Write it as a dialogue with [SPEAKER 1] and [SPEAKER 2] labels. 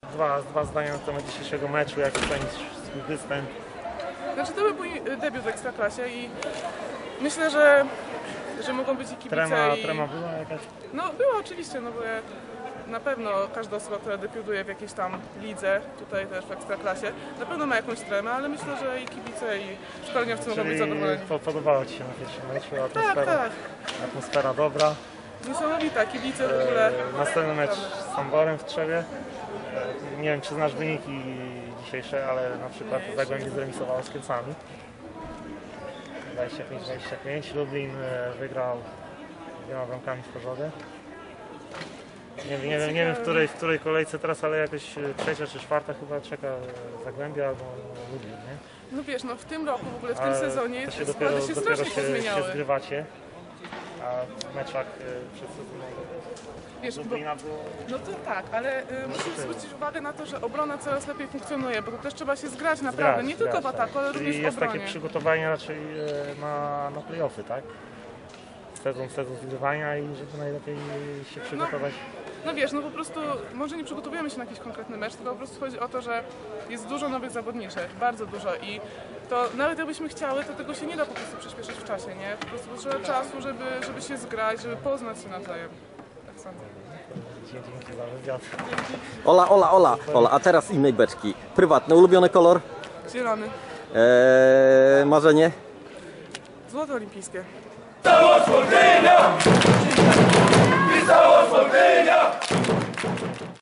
[SPEAKER 1] Dwa zdania na temat dzisiejszego meczu, jak ocenić swój występ?
[SPEAKER 2] Znaczy to był mój debiut w Ekstraklasie i myślę, że mogą być i kibice
[SPEAKER 1] Trema była jakaś?
[SPEAKER 2] No była oczywiście, no bo na pewno każda osoba, która debiutuje w jakiejś tam lidze, tutaj też w Ekstraklasie, na pewno ma jakąś tremę, ale myślę, że i kibice, i szkoleniowcy mogą być zadowoleni.
[SPEAKER 1] Podobało Ci się na pierwszym meczu? Atmosfera,
[SPEAKER 2] Tak.
[SPEAKER 1] Atmosfera dobra.
[SPEAKER 2] Niesamowita, kibice w ogóle.
[SPEAKER 1] Następny mecz z Samborem w Trzewie. Nie wiem, czy znasz wyniki dzisiejsze, ale na przykład Zagłębie zremisowało z Kielcami. 25-25. Lublin wygrał 2 bramkami w Chorzowie. Nie wiem w której kolejce teraz, ale jakoś trzecia czy czwarta chyba czeka Zagłębia albo Lublin, nie?
[SPEAKER 2] No wiesz, no w tym roku, w ogóle w tym sezonie
[SPEAKER 1] składy
[SPEAKER 2] dopiero strasznie pozmieniały.
[SPEAKER 1] się zgrywacie, a w meczach przedsezonowych
[SPEAKER 2] Wiesz,
[SPEAKER 1] Lublina było...
[SPEAKER 2] No to tak, ale musisz zwrócić uwagę na to, że obrona coraz lepiej funkcjonuje, bo to też trzeba się zgrać naprawdę, nie tylko w ataku, ale również w
[SPEAKER 1] jest
[SPEAKER 2] obronie.
[SPEAKER 1] takie przygotowanie raczej na play-offy, tak? Sezon zgrywania i żeby najlepiej się przygotować.
[SPEAKER 2] No wiesz, no po prostu może nie przygotowujemy się na jakiś konkretny mecz, tylko po prostu chodzi o to, że jest dużo nowych zawodniczych, bardzo dużo i to nawet jakbyśmy chciały, to tego się nie da po prostu przyspieszyć w czasie, nie? Po prostu potrzeba czasu, żeby się zgrać, żeby poznać się nawzajem. Tak sądzę.
[SPEAKER 1] Dzięki za wywiad.
[SPEAKER 3] Ola, a teraz innej beczki. Prywatny, ulubiony kolor?
[SPEAKER 2] Zielony.
[SPEAKER 3] Marzenie?
[SPEAKER 2] Złoto olimpijskie.
[SPEAKER 4] Całość Woldynia!